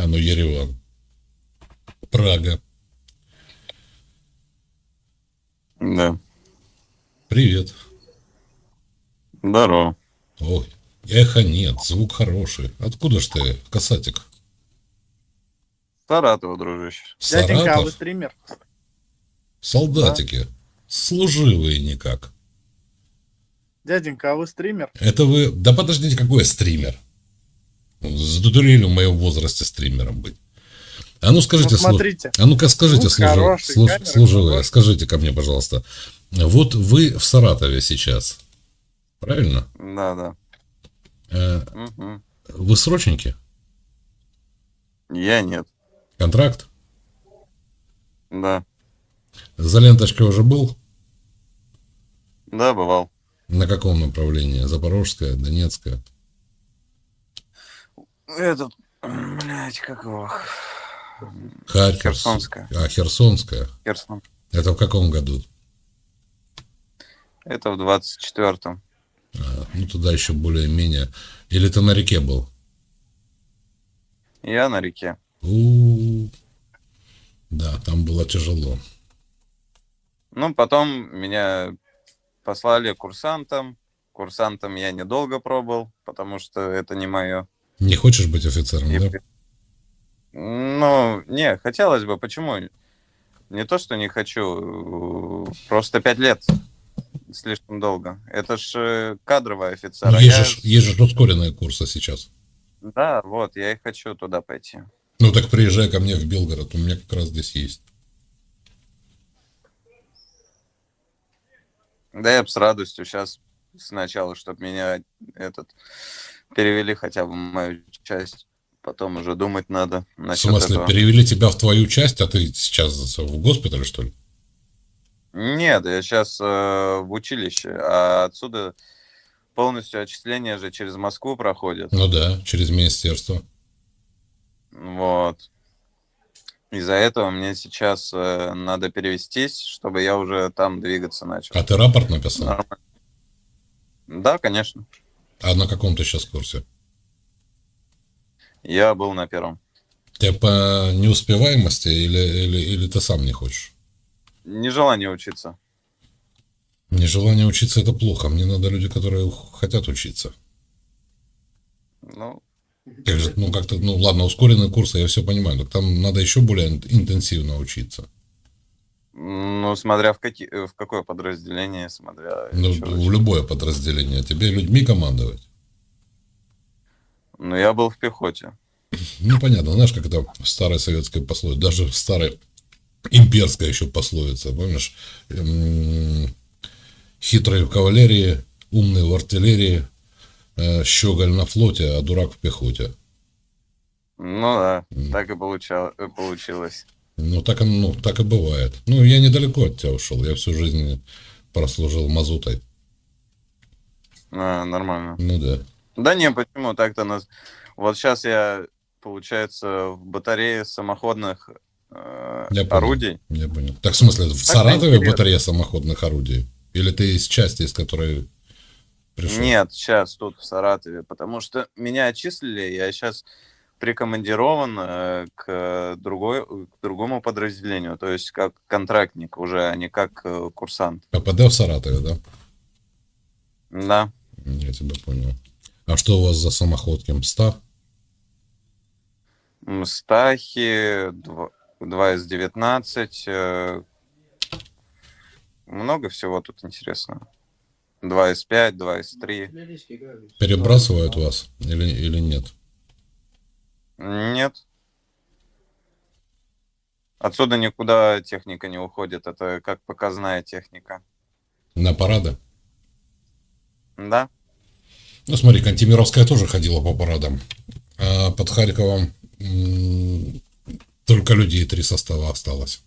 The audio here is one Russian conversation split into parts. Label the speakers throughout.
Speaker 1: А ну, Ереван. Прага.
Speaker 2: Да.
Speaker 1: Привет.
Speaker 2: Здорово.
Speaker 1: Ой, эхо нет, звук хороший. Откуда ж ты, касатик?
Speaker 2: Саратова, дружище.
Speaker 3: Дяденька, а вы
Speaker 1: Саратов?
Speaker 3: стример?
Speaker 2: Да.
Speaker 1: Солдатики. Служивые никак.
Speaker 3: Дяденька, а вы стример?
Speaker 1: Это вы... Да подождите, какой я стример? Задурели в моем возрасте стримером быть. А ну скажите,
Speaker 3: Ну, смотрите.
Speaker 1: а ну-ка скажите,
Speaker 3: Звук хороший, камера
Speaker 1: служивые,
Speaker 3: хорошая.
Speaker 1: скажите ко мне, пожалуйста. Вот вы в Саратове сейчас, правильно?
Speaker 2: Да, да.
Speaker 1: Э,
Speaker 2: Мгм.
Speaker 1: Вы срочники?
Speaker 2: Я нет.
Speaker 1: Контракт?
Speaker 2: Да.
Speaker 1: За ленточкой уже был?
Speaker 2: Да, бывал.
Speaker 1: На каком направлении? Запорожская, Донецкая?
Speaker 2: Этот, блядь, как его?
Speaker 1: Харьковская.
Speaker 2: Херсонская.
Speaker 1: А, Херсонская.
Speaker 2: Херсон.
Speaker 1: Это в каком году?
Speaker 2: Это в 24-м.
Speaker 1: Ну, туда еще более-менее. Или ты на реке был?
Speaker 2: Я на реке.
Speaker 1: Да, там было тяжело.
Speaker 2: Ну, потом меня послали курсантом. Курсантом я недолго пробыл, потому что это не мое.
Speaker 1: Не хочешь быть офицером,
Speaker 2: И
Speaker 1: да?
Speaker 2: Ну, не, хотелось бы. Почему? Не то, что не хочу. Просто 5 лет. Слишком долго. Это ж кадровый офицер.
Speaker 1: Ну,
Speaker 2: А
Speaker 1: есть же ускоренные курсы сейчас.
Speaker 2: Да, вот, я и хочу туда пойти.
Speaker 1: Ну, так приезжай ко мне в Белгород, у меня как раз здесь есть.
Speaker 2: Да я бы с радостью сейчас сначала, чтобы меня перевели хотя бы в мою часть. Потом уже думать надо
Speaker 1: В
Speaker 2: насчет
Speaker 1: смысле,
Speaker 2: этого.
Speaker 1: перевели тебя в твою часть, а ты сейчас в госпитале, что ли?
Speaker 2: Нет, я сейчас в училище, а отсюда полностью отчисления же через Москву проходят.
Speaker 1: Ну да, через министерство.
Speaker 2: Вот. Из-за этого мне сейчас надо перевестись, чтобы я уже там двигаться начал.
Speaker 1: А ты рапорт написал?
Speaker 2: Нормально. Да, конечно.
Speaker 1: А на каком ты сейчас курсе?
Speaker 2: Я был на первом.
Speaker 1: Ты по неуспеваемости или ты сам не хочешь?
Speaker 2: Нежелание учиться.
Speaker 1: Нежелание учиться – это плохо. Мне надо люди, которые хотят учиться.
Speaker 2: Ну,
Speaker 1: Как же, ну, как-то, ну, ладно, ускоренные курсы, я все понимаю, но там надо еще более интенсивно учиться.
Speaker 2: смотря в какое подразделение, смотря
Speaker 1: Ну,
Speaker 2: чё
Speaker 1: в
Speaker 2: зачем.
Speaker 1: любое подразделение. Тебе людьми командовать.
Speaker 2: Ну, я был в пехоте.
Speaker 1: Ну, понятно, знаешь, как это в старой советской пословице, даже в старой имперской еще пословица, помнишь? Хитрый в кавалерии, умный в артиллерии, щеголь на флоте, а дурак в пехоте.
Speaker 2: Ну да, так и получилось.
Speaker 1: Ну, так и бывает. Ну, я недалеко от тебя ушел. Я всю жизнь прослужил мазутой.
Speaker 2: Нормально.
Speaker 1: Ну да.
Speaker 2: Да не, почему так-то нас... Вот сейчас я, получается, в батарее самоходных
Speaker 1: Я понял.
Speaker 2: орудий.
Speaker 1: Я понял. Так в смысле, в
Speaker 2: Так-то
Speaker 1: Саратове
Speaker 2: интересно.
Speaker 1: батарея самоходных орудий? Или ты из части, из которой пришел?
Speaker 2: Нет, сейчас тут в Саратове, потому что меня отчислили, я сейчас прикомандирован к другому подразделению, то есть как контрактник уже, а не как курсант.
Speaker 1: ППД в Саратове, да?
Speaker 2: Да.
Speaker 1: Я тебя понял. А что у вас за самоходки? МСТА?
Speaker 2: Мстахи, 2С19, много всего тут интересного. 2С5, 2С3.
Speaker 1: Перебрасывают вас или нет?
Speaker 2: Нет. Отсюда никуда техника не уходит, это как показная техника.
Speaker 1: На парады?
Speaker 2: Да?
Speaker 1: Ну, смотри, Кантемировская тоже ходила по парадам. А под Харьковом только людей 3 состава осталось.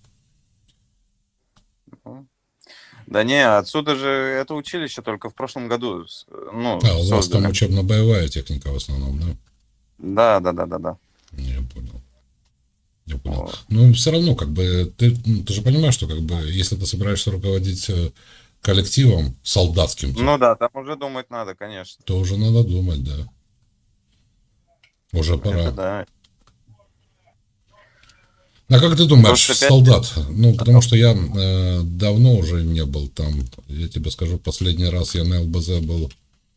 Speaker 2: Да не, отсюда же это училище только в прошлом году
Speaker 1: У вас там
Speaker 2: создали.
Speaker 1: учебно-боевая техника в основном, да?
Speaker 2: Да.
Speaker 1: Я понял.
Speaker 2: Вот.
Speaker 1: Ну, все равно, как бы, ты же понимаешь, что, как бы, если ты собираешься руководить коллективом солдатским,
Speaker 2: Ну да, там уже думать надо, конечно.
Speaker 1: то уже надо думать, да. Уже пора.
Speaker 2: Это да.
Speaker 1: А как ты думаешь,
Speaker 2: Просто пять
Speaker 1: солдат? Ну, потому что я давно уже не был там. Я тебе скажу, последний раз я на ЛБЗ был,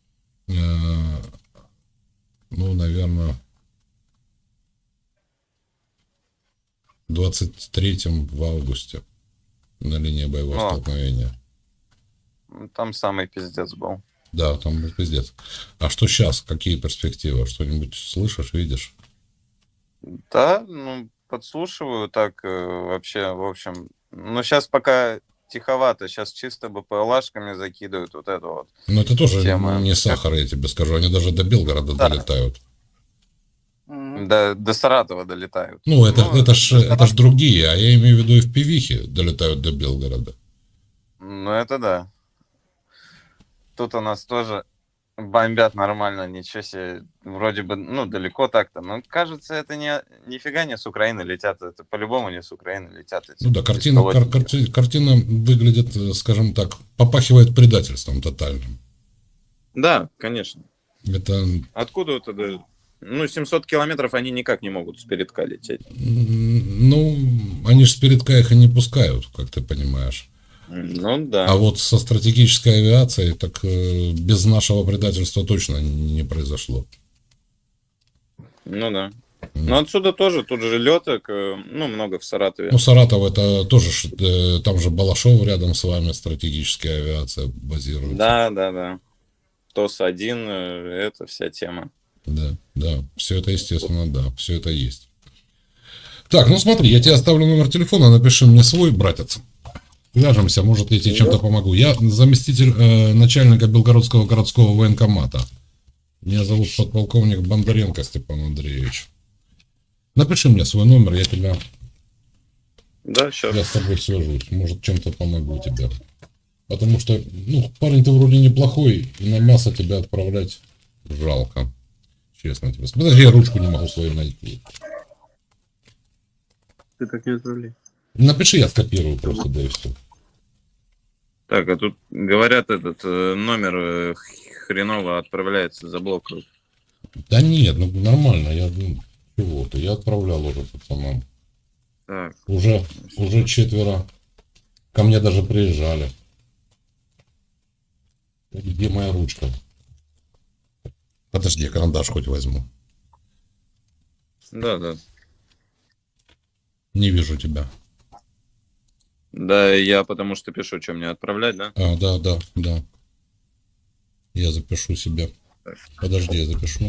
Speaker 1: ну, наверное, в 23-м в августе на линии боевого
Speaker 2: О.
Speaker 1: столкновения.
Speaker 2: Там самый пиздец был.
Speaker 1: Да, там был пиздец. А что сейчас? Какие перспективы? Что-нибудь слышишь, видишь?
Speaker 2: Да, ну, подслушиваю так вообще, в общем. Ну, сейчас пока тиховато, сейчас чисто БПЛАшками закидывают вот это вот.
Speaker 1: Но это тоже
Speaker 2: Тема.
Speaker 1: не сахар, я тебе скажу. Они даже до Белгорода
Speaker 2: Да.
Speaker 1: долетают.
Speaker 3: Мгм.
Speaker 2: До Саратова долетают.
Speaker 1: Ну, это ж
Speaker 2: до
Speaker 1: другие, а я имею в виду и в пивихе долетают до Белгорода.
Speaker 2: Ну, это да. Тут у нас тоже бомбят нормально, ничего себе. Вроде бы, ну, далеко так-то. Но кажется, это нифига не с Украины летят. Это по-любому не с Украины летят. Эти
Speaker 1: Ну да, картина
Speaker 2: беспилотники.
Speaker 1: выглядит, скажем так, попахивает предательством тотальным.
Speaker 4: Да, конечно.
Speaker 1: Это,
Speaker 4: Откуда это? Ну, 700 километров они никак не могут с передка лететь.
Speaker 1: ну, они же с передка их и не пускают, как ты понимаешь.
Speaker 4: Ну,
Speaker 1: А
Speaker 4: да.
Speaker 1: вот со стратегической авиацией, так без нашего предательства точно не произошло.
Speaker 4: Ну, да. Но отсюда тоже, тут же леток, ну, много в Саратове.
Speaker 1: Ну, Саратов это тоже, там же Балашов рядом с вами, стратегическая авиация базируется.
Speaker 4: Да. ТОС-1, это вся тема.
Speaker 1: Да, все это, естественно, да, все это есть. Так, ну смотри, я тебе оставлю номер телефона, напиши мне свой, братец. Свяжемся, может, я тебе чем-то помогу. Я заместитель начальника Белгородского городского военкомата. Меня зовут подполковник Бондаренко Степан Андреевич. Напиши мне свой номер,
Speaker 4: Да, сейчас.
Speaker 1: я с тобой свяжусь. Может, чем-то помогу тебе. Потому что, ну, парень ты вроде неплохой, и на мясо тебя отправлять жалко. Честно тебе. Подожди, я ручку не могу свою найти.
Speaker 3: Ты так не отправляй.
Speaker 1: Напиши, я скопирую просто, да и все.
Speaker 4: Так, а тут говорят, этот номер хреново отправляется, заблокируют.
Speaker 1: Да нет, ну нормально, чего-то, я отправлял уже пацанам.
Speaker 4: Так,
Speaker 1: Уже 4 ко мне даже приезжали. Где моя ручка? Подожди, я карандаш хоть возьму.
Speaker 4: да.
Speaker 1: Не вижу тебя.
Speaker 4: Да, я потому что пишу, что мне отправлять, да?
Speaker 1: А, да. Я запишу себе. Подожди, я запишу.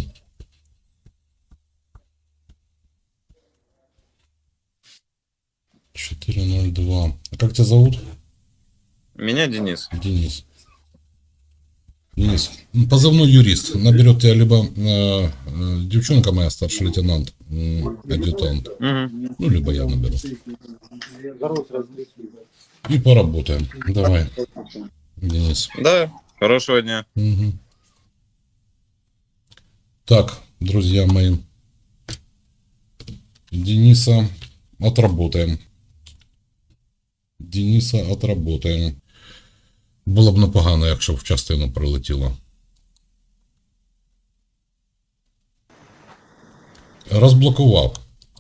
Speaker 1: $402. А как тебя зовут?
Speaker 4: Меня Денис.
Speaker 1: Денис. Денис. Позывной юрист. Наберет тебя либо девчонка моя, старший лейтенант, адъютант.
Speaker 4: Мгм.
Speaker 1: Ну, либо я наберу. И поработаем. Давай, Денис.
Speaker 4: Да, хорошего дня.
Speaker 1: Мгм. Так, друзья мои. Дениса отработаем. Було б непогано, якщо б в частину прилетіло. Розблокував.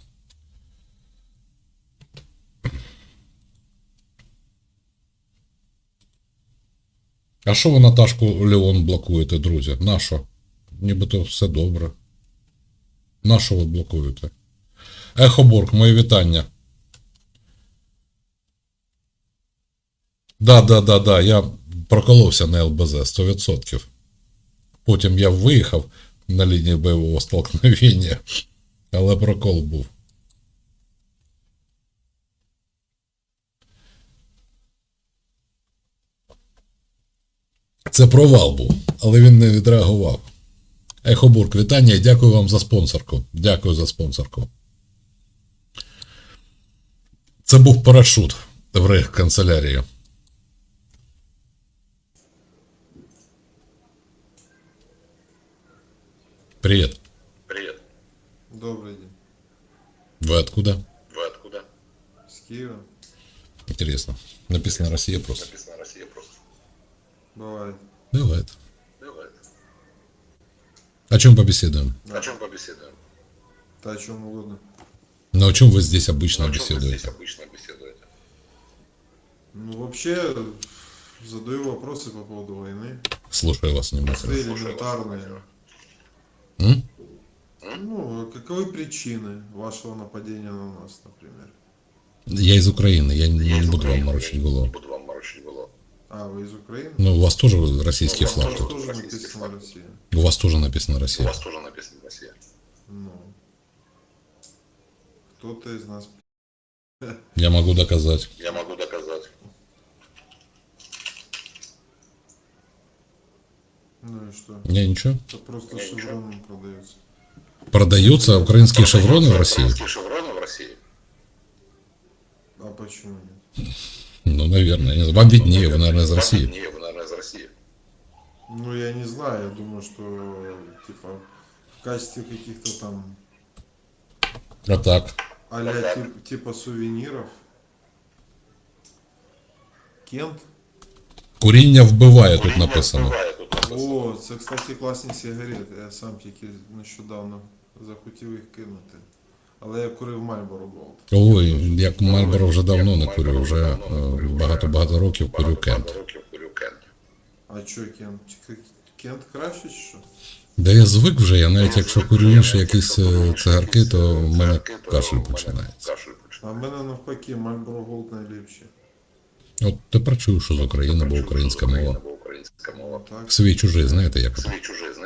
Speaker 1: А що ви Наташку Леон блокуєте, друзі? Нащо? Нібито все добре. Нащо ви блокуєте? Ехоборг, мої вітання. Да, я проколовся на ЛБЗ 100%. Потім я виїхав на лінії бойового столкновення, але прокол був. Це провал був, але він не відреагував. Ехобург, вітання і дякую вам за спонсорку. Дякую за спонсорку. Це був парашут в рейхканцелярії. Привет.
Speaker 5: Привет.
Speaker 6: Добрый день.
Speaker 1: Вы откуда?
Speaker 5: Вы откуда?
Speaker 6: С Киева.
Speaker 1: Интересно. Написано Россия просто.
Speaker 5: Написано Россия просто.
Speaker 6: Бывает.
Speaker 1: Бывает.
Speaker 5: Бывает.
Speaker 1: О чем побеседуем?
Speaker 6: Да.
Speaker 5: О чем побеседуем?
Speaker 6: Да о чем угодно.
Speaker 1: Но о чем вы здесь обычно беседуете?
Speaker 6: Ну, вообще, задаю вопросы по поводу войны.
Speaker 1: Слушаю вас внимательно.
Speaker 6: Свои элементарные.
Speaker 1: М?
Speaker 6: Ну, каковы причины вашего нападения на нас, например?
Speaker 1: Я из Украины, я не буду вам морочить голову.
Speaker 6: А, вы из Украины?
Speaker 1: Ну, у вас тоже российский флаг
Speaker 6: Там
Speaker 1: тут.
Speaker 6: тоже написано Россия.
Speaker 1: У вас тоже написано Россия.
Speaker 6: Ну. Кто-то из нас.
Speaker 1: Я могу доказать.
Speaker 6: Ну и что?
Speaker 1: Не, ничего.
Speaker 6: Это просто шевроном продается.
Speaker 1: Продаются украинские шевроны в России?
Speaker 6: А почему нет?
Speaker 1: Ну, наверное. Я не знаю. Вам виднее, вы, наверное, из России.
Speaker 6: Ну, я не знаю, я думаю, что, типа, в качестве каких-то там
Speaker 1: А так.
Speaker 6: а-ля типа сувениров. Кент.
Speaker 1: Куріння вбиває, тут написано.
Speaker 6: О, це, кстати, класні сигарети. Я сам тільки нещодавно захотів їх кинути. Але я курив Marlboro Gold.
Speaker 1: Ой, як Мальборо вже давно не курю, вже багато-багато років курю Кент.
Speaker 6: А чо Кент? Кент краще чи що?
Speaker 1: Да я звик вже, я навіть якщо курю інші якісь цигарки, то в мене кашель починається.
Speaker 6: А в мене навпаки Marlboro Gold найліпші.
Speaker 1: От тепер чую, що з України, бо українська мова.
Speaker 6: Так.
Speaker 1: Свій чужий, знаєте, як ото.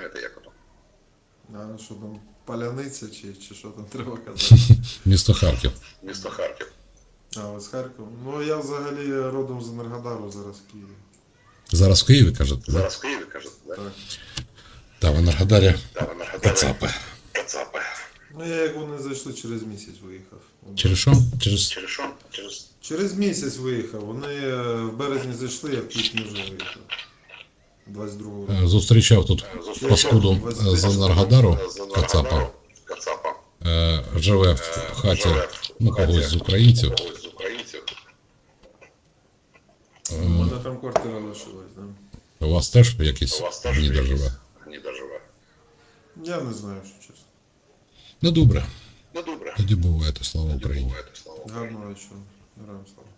Speaker 6: А що там, паляниця чи що там треба казати?
Speaker 1: Місто Харків.
Speaker 6: А, ви з Харкова? Ну, я взагалі родом з Енергодару, зараз в Києві.
Speaker 1: Зараз в Києві, кажете, да?
Speaker 6: Так.
Speaker 1: Та в Енергодарі кацапи.
Speaker 6: Ну, я як вони зайшли, через місяць виїхав.
Speaker 1: Через що?
Speaker 6: Через місяць виїхав. Вони в березні зайшли, я в квітні вже виїхав. 22-го року.
Speaker 1: Зустрічав тут паскуду з Енергодару, кацапа. Живе в хаті, ну, когось з українців.
Speaker 6: У мене там квартира лишилась, да?
Speaker 1: У вас теж якийсь гніда живе?
Speaker 6: Я не знаю, що чесно.
Speaker 1: Ну, добре. Тоді буває, то слава Україні.
Speaker 6: Гарного вечора. Героям слава.